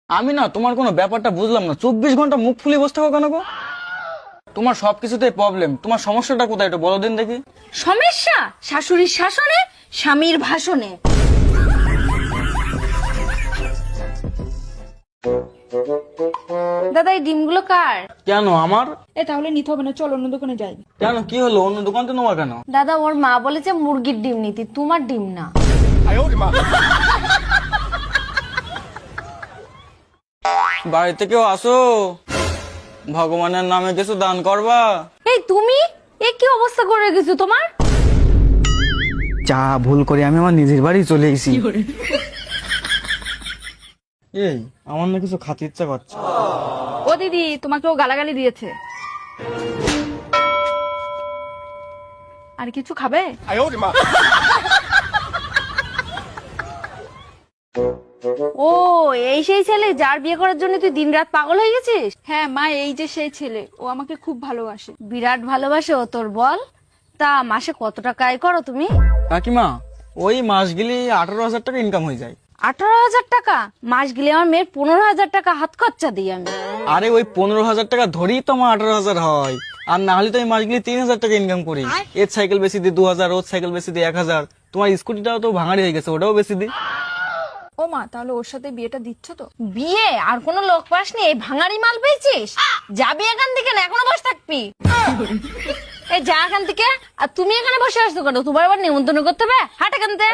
আমি না তোমার কোনো ব্যাপারটা বুঝলাম না, 24 ঘন্টা মুখ ফুলিয়ে বসে থাকো কেন গো? তোমার সবকিছুতেই প্রবলেম, তোমার সমস্যাটা কোথায় একটু বলো দিন দেখি। সমস্যা শাশুড়ির শাসনে, স্বামীর ভাষণে। দাদা এই ডিমগুলো কার? কেন আমার? তাহলে নিতে হবে না, চল অন্য দোকানে যাই। কেন কি হলো, অন্য দোকান তো নেওয়া কেন? দাদা ওর মা বলেছে মুরগির ডিম নিতে, তোমার ডিম না। বাড়িতে কেউ আসো, ভগবানের নামে কিছু দান করবা। এই তুমি এ কি অবস্থা করে রেখেছো তোমার? যা ভুল করে আমি আমার নিজের বাড়ি চলে এসেছি। এই আমার না কিছু খাতে ইচ্ছা করছে। ও দিদি, তোমাকে ও গালাগালি দিয়েছে। আর কিছু খাবে? ও এই সেই ছেলে যার বিয়ে করার জন্য তুই দিনরাত পাগল হয়ে গেছিস? হ্যাঁ মা, এই যে সেই ছেলে, ও আমাকে খুব ভালোবাসে। বিরাট ভালোবাসে ও তোর, বল। তা মাসে কত টাকা আয় করো তুমি? কাকিমা ওই মাস গেলে 18,000 টাকা ইনকাম হয়ে যায়। 18,000 টাকা? মাস গেলে আমার মেয়ের 15,000 টাকা হাত খরচা দিই আমি। আরে ওই 15,000 টাকা ধরেই তো আমার 18,000 হয়। আর না হলে তো আমি মাস গেলে 3,000 টাকা ইনকাম করি। এর সাইকেল বেশি দিই 2,000, ওর সাইকেল বেশি দিই 1,000। তোমার স্কুটিটাও তো ভাঙাড়ি হয়ে গেছে, ওটাও বেশি দিই। ও মা, তাহলে ওর সাথে বিয়েটা দিচ্ছ তো? বিয়ে আর কোনো লোক পাসনি, এই ভাঙারি মাল পেয়েছিস? যাবি এখান থেকে না, এখনো বসে থাকবি? এই যা এখান থেকে। আর তুমি এখানে বসে আসছো কেন? তোমার আবার নিমন্ত্রণ করতে হবে? হাট এখান থেকে।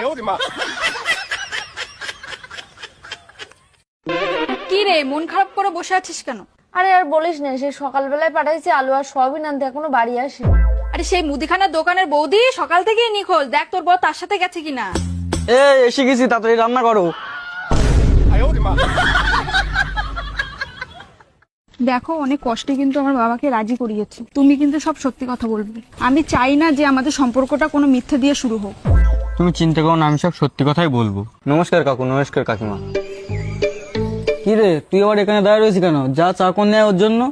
কি রে, মন খারাপ করে বসে আছিস কেন? আরে আর বলিস না, সে সকালবেলায় পাঠাইছে আলু আর সয়াবিন আনতে, এখনো বাড়ি আসেনি। আরে সেই মুদিখানার দোকানের বৌদি সকাল থেকেই নিখোঁজ, দেখ তোর বর তার সাথে গেছে কিনা। এসে গেছি, তাড়াতাড়ি রান্না করো। দেখো, অনেক কষ্টে কিন্তু আমার বাবাকে রাজি করিয়েছি। তুমি কিন্তু সব সত্যি কথা বলবে। আমি চাই না যে আমাদের সম্পর্কটা কোনো মিথ্যে দিয়ে শুরু হোক। তুমি চিন্তা করো না, আমি সব সত্যি কথাই বলবো। নমস্কার কাকু। নমস্কার কাকিমা। কি রে তুই আবার এখানে দাঁড়িয়ে রয়েছিস কেন? যা চা কোন নেয় ওর জন্য।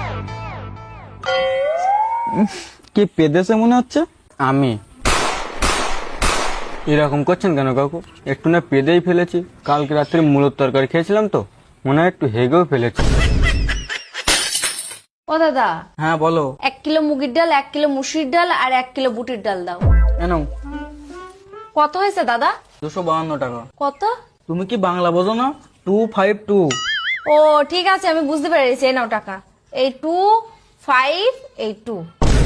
কি পেদেছে মনে হচ্ছে? আমি এরকম করছেন কেন কাকু? একটু না পেদেই ফেলেছি। কালকে রাত্রে মুলোর তরকারি খেয়েছিলাম তো, মনে হয় একটু হেগেও ফেলেছি। ও দাদা। হ্যাঁ বলো। 1 কিলো মুগের ডাল, 1 কিলো মুসুরির ডাল আর 1 কিলো বুটের ডাল দাও। কেন? কত হয়েছে দাদা? 252 টাকা। কত? তুমি কি বাংলা বোঝো না? 252। ও ঠিক আছে, আমি বুঝতে পেরেছি। এই নাও টাকা। এই 2 5 এই 2।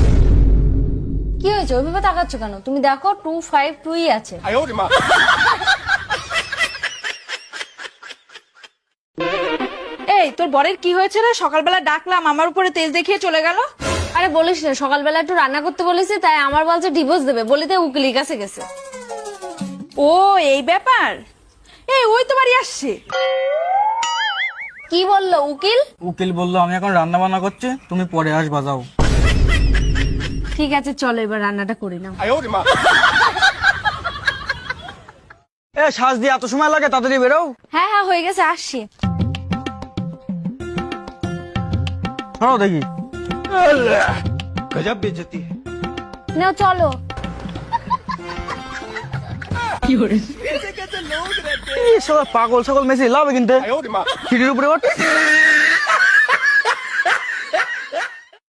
কি হয়েছে ওইভাবে তাকাচ্ছ কেন? তুমি দেখো 252ই আছে। এই তোর বরের কি হয়েছে রে? সকালবেলা ডাকলাম, আমার উপরে তেজ দেখিয়ে চলে গেল। আরে বলিস না, সকালবেলা একটু রান্না করতে বলেছি, তাই আমার বলছে ডিভোর্স দেবে, বলিতে উকিলের কাছে গেছে। ও এই ব্যাপার। এই ওই তো বাড়ি আসছে। কি বললো উকিল? উকিল বললো আমি এখন রান্না বান্না করছি, তুমি পরে আসবা, যাও। ঠিক আছে চলো এবার রান্নাটা করে নাও। শ্বাস দিয়ে এত সময় লাগে? তাড়াতাড়ি বেরো। হ্যাঁ হ্যাঁ হয়ে গেছে, আসছি। সরো দেখি। गजब बेइज्जती है। নাও চলো। পাগল সকল মেসি লাভ কিন্তু সিঁড়ির উপরে ওঠ।